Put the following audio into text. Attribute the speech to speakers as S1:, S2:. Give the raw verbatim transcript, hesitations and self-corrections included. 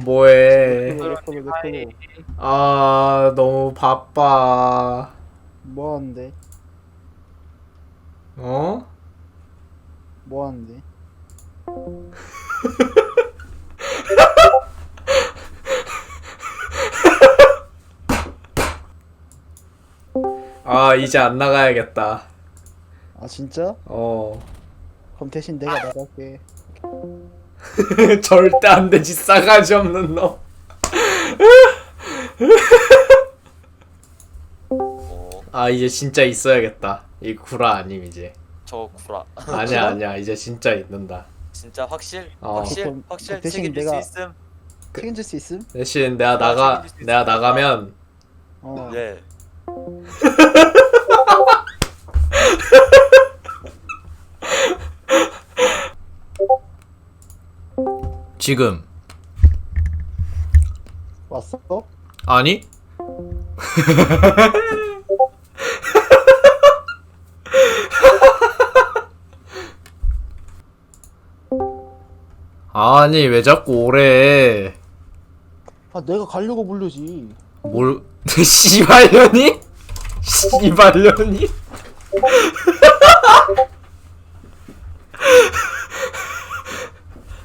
S1: 뭐해?
S2: 내 코로 내 코로
S1: 아, 너무 바빠.
S2: 뭐 하는데?
S1: 어?
S2: 뭐 하는데?
S1: 아, 이제 안 나가야겠다.
S2: 아 진짜?
S1: 어.
S2: 그럼 대신 내가 나갈게.
S1: 절대 안 되지, 싸가지 없는 놈.
S3: 어,
S1: 아, 이제 진짜 있어야겠다. 이 구라 아님, 이제.
S3: 저 구라.
S1: 아니야, 아니야. 이제 진짜 있는다.
S3: 진짜 확실?
S1: 어.
S3: 확실?
S2: 그럼
S3: 확실
S2: 대신
S3: 책임질
S2: 내가-
S3: 수 있음?
S2: 책임질 수 있음?
S1: 대신 내가 나가,
S3: 책임질 수
S1: 내가
S3: 있으니까.
S1: 나가면,
S2: 어.
S3: 네.
S1: 지금.
S2: 왔어?
S1: 아니? 아니, 왜 자꾸 오래.
S2: 아 내가 가려고 부르지.
S1: 뭘, 씨발년이? 씨발년이?